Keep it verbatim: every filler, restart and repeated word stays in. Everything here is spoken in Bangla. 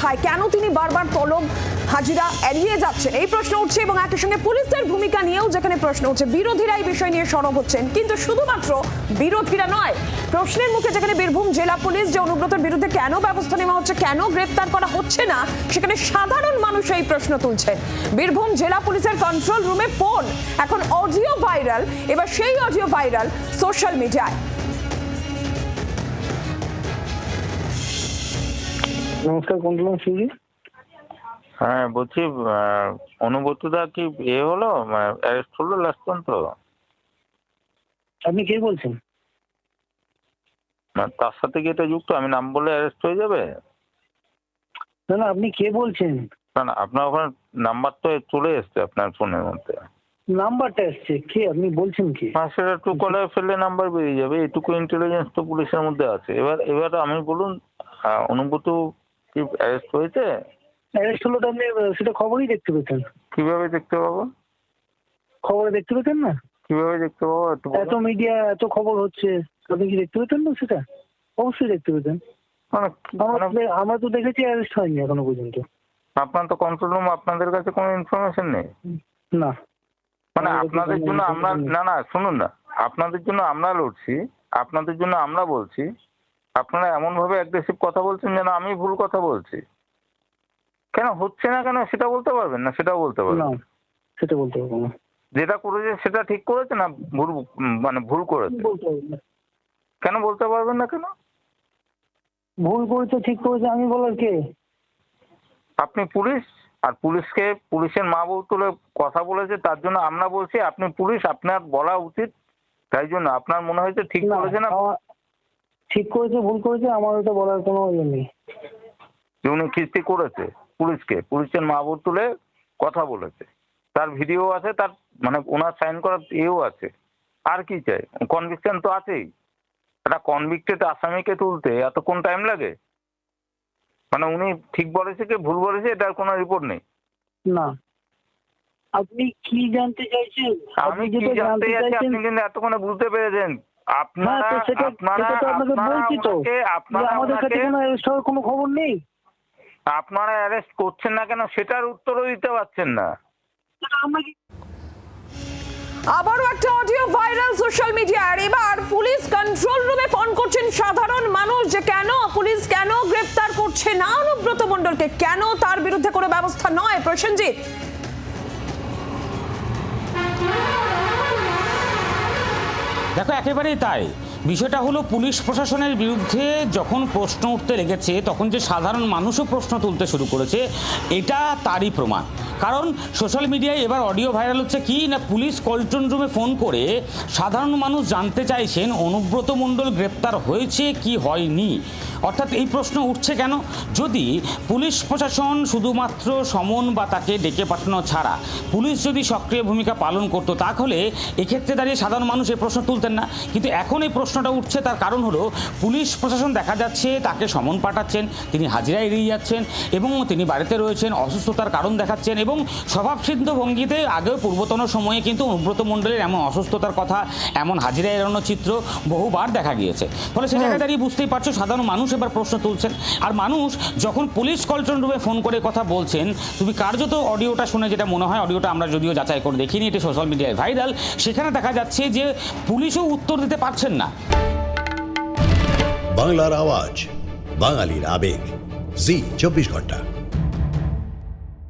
কোথায়, কেন তিনি বারবার তলব হাজিরা এড়িয়ে যাচ্ছেন, এই প্রশ্ন উঠছে। এবং একই সঙ্গে পুলিশের ভূমিকা নিয়েও যেখানে প্রশ্ন উঠছে, বিরোধীরা এই বিষয় নিয়ে সরব হচ্ছেন। কিন্তু শুধুমাত্র বিরোধীরা নয়, প্রশ্নের মুখে যেখানে বীরভূম জেলা পুলিশ যে অনুব্রতের বিরুদ্ধে কেন ব্যবস্থা নেওয়া হচ্ছে, কেন গ্রেফতার করা হচ্ছে না, সেখানে সাধারণ মানুষ এই প্রশ্ন তুলছেন। বীরভূম জেলা পুলিশের কন্ট্রোল রুমে ফোন, এখন অডিও ভাইরাল। এবার সেই অডিও ভাইরাল সোশ্যাল মিডিয়ায়। নমস্কার, কন্ট্রোল সিংজি। হ্যাঁ বলছি, অনুব্রতদা কি এ হলো, অ্যারেস্ট হলো লাস্ট পর্যন্ত? আপনি কে বলছেন? তার সাথে কি এটা যুক্ত? আমি নাম বলে অ্যারেস্ট হয়ে যাবে? না না, আপনি কে বলছেন? না না, আপনার ওখানে নাম্বার তো চলে এসছে আপনার ফোনের মধ্যে। নাম্বারটা এসছে, কে আপনি বলছেন কি? হ্যাঁ, সেটা টু কলে ফেললে নাম্বার বেরিয়ে যাবে, এইটুকু ইন্টেলিজেন্স তো পুলিশের মধ্যে আছে। এবার এবার আমি বলুন, অনুব্রত কি অ্যারেস্ট হয়েছে? অ্যারেস্ট হলো তো আপনি সেটা খবরই দেখতে পেতেন। কিভাবে দেখতে পাবো? খবরে দেখতে পেতেন না? কিভাবে দেখতে পাবো একটু বলুন। এত মিডিয়া, এত খবর হচ্ছে, আপনি কি দেখতে পেতেন না? সেটা অবশ্যই দেখতে পেতেন। মানে কি- আমরা মানে আমরা তো দেখেছি অ্যারেস্ট হয়নি এখনো পর্যন্ত। আপনার তো কন্ট্রোল রুম, আপনাদের কাছে কোনো ইনফরমেশন নেই? না, মানে আমাদের আপনাদের কোনো জন্য আমরা, information নেই। না না শুনুন না, আপনাদের জন্য আমরা লড়ছি, আপনাদের জন্য আমরা বলছি, আপনারা এমন ভাবে অ্যাগ্রেসিভ কথা বলছেন যেন আমি ভুল কথা বলছি। কেন হচ্ছে না কেন সেটা বলতে পারবেন না? সেটাও বলতে না, পারবেন? সেটা বলতে পারবো না। যেটা করেছে সেটা ঠিক করেছে না ভুল, মানে ভুল করেছে? বলতে পারবো না। কেন বলতে পারবেন না কেন? ভুল করেছে ঠিক করেছে আমি বলার কে? আপনি পুলিশ, আর পুলিশকে পুলিশের মা বউ তুলে কথা বলেছে, তার জন্য আমরা বলছি আপনি পুলিশ, আপনার বলা উচিত। তাই জন্য আপনার মনে হয়েছে ঠিক না, করেছে না? আমার- ঠিক করেছে ভুল করেছে আমার ওটা বলার কোনো ইয়ে নেই। যে উনি কিস্তি করেছে পুলিশকে, পুলিশের মা বউ তুলে কথা বলেছে, তার ভিডিও আছে, তার মানে ওনার সাইন করার ইয়েও আছে। আর কি চাই? কনভিকশন তো আছেই। একটা কনভিক্টেড আসামিকে তুলতে এতক্ষণ টাইম লাগে? মানে উনি ঠিক বলেছে কি ভুল বলেছে এটার কোনো রিপোর্ট নেই? না, আপনি কি জানতে চাইছেন? আমি আপনি কি যেটা জানতে জানতে চাচ্ছি চাইছেন, আপনি কিন্তু এতক্ষণে বুঝতে পেরেছেন। আপনারা হ্যাঁ, তো সেটা আপনারা সেটা তো আপনাকে আপনারা বলছি তো, ওনাকে যে আপনারা আমাদের কাছে ওনাকে কোনো অ্যারেস্ট হওয়ার কোনো খবর নেই। আপনারা অ্যারেস্ট করছেন না কেন সেটার উত্তরও দিতে পারছেন না। সেটা আমরা কি আবারও একটা অডিও ভাইরাল সোশ্যাল মিডিয়ার। এবার পুলিশ কন্ট্রোল রুমে ফোন করছেন সাধারণ মানুষ, যে কেন পুলিশ কেন গ্রেফতার করছে না অনুব্রত মণ্ডলকে, কেন তার বিরুদ্ধে কোনো ব্যবস্থা নয়। প্রসেনজিৎ, দেখো একেবারেই তাই। বিষয়টা হলো পুলিশ প্রশাসনের বিরুদ্ধে যখন প্রশ্ন উঠতে লেগেছে তখন যে সাধারণ মানুষও প্রশ্ন তুলতে শুরু করেছে, এটা তারই প্রমাণ। কারণ সোশ্যাল মিডিয়ায় এবার অডিও ভাইরাল হচ্ছে কি না, পুলিশ কন্ট্রোল রুমে ফোন করে সাধারণ মানুষ জানতে চাইছেন অনুব্রত মণ্ডল গ্রেপ্তার হয়েছে কি হয়নি। অর্থাৎ এই প্রশ্ন উঠছে কেন, যদি পুলিশ প্রশাসন শুধুমাত্র সমন বা তাকে ডেকে পাঠানো ছাড়া পুলিশ যদি সক্রিয় ভূমিকা পালন করতো, তাহলে এক্ষেত্রে দাঁড়িয়ে সাধারণ মানুষ এই প্রশ্ন তুলতেন না। কিন্তু এখন এই প্রশ্নটা উঠছে, তার কারণ হলো পুলিশ প্রশাসন দেখা যাচ্ছে তাকে সমন পাঠাচ্ছেন, তিনি হাজিরা এড়িয়ে যাচ্ছেন এবং তিনি বাড়িতে রয়েছেন, অসুস্থতার কারণ দেখাচ্ছেন এবং স্বভাবসিদ্ধ ভঙ্গিতে আগেও পূর্বতন সময়ে কিন্তু অনুব্রত মণ্ডলের এমন অসুস্থতার কথা, এমন হাজিরা এড়ানোর চিত্র বহুবার দেখা গিয়েছে। ফলে সে জায়গায় দাঁড়িয়ে বুঝতেই পারছো সাধারণ মানুষ এবার প্রশ্ন তুলছেন। আর মানুষ যখন পুলিশ কন্ট্রোল রুমে ফোন করে কথা বলছেন, তুমি কার্যত অডিওটা শুনে যেটা মনে হয়, অডিওটা আমরা যদিও যাচাই করে দেখিনি, এটি সোশ্যাল মিডিয়ায় ভাইরাল, সেখানে দেখা যাচ্ছে যে পুলিশও উত্তর দিতে পারছেন না। বাংলার আওয়াজ, বাঙালির আবেগ, জি চব্বিশ ঘন্টা।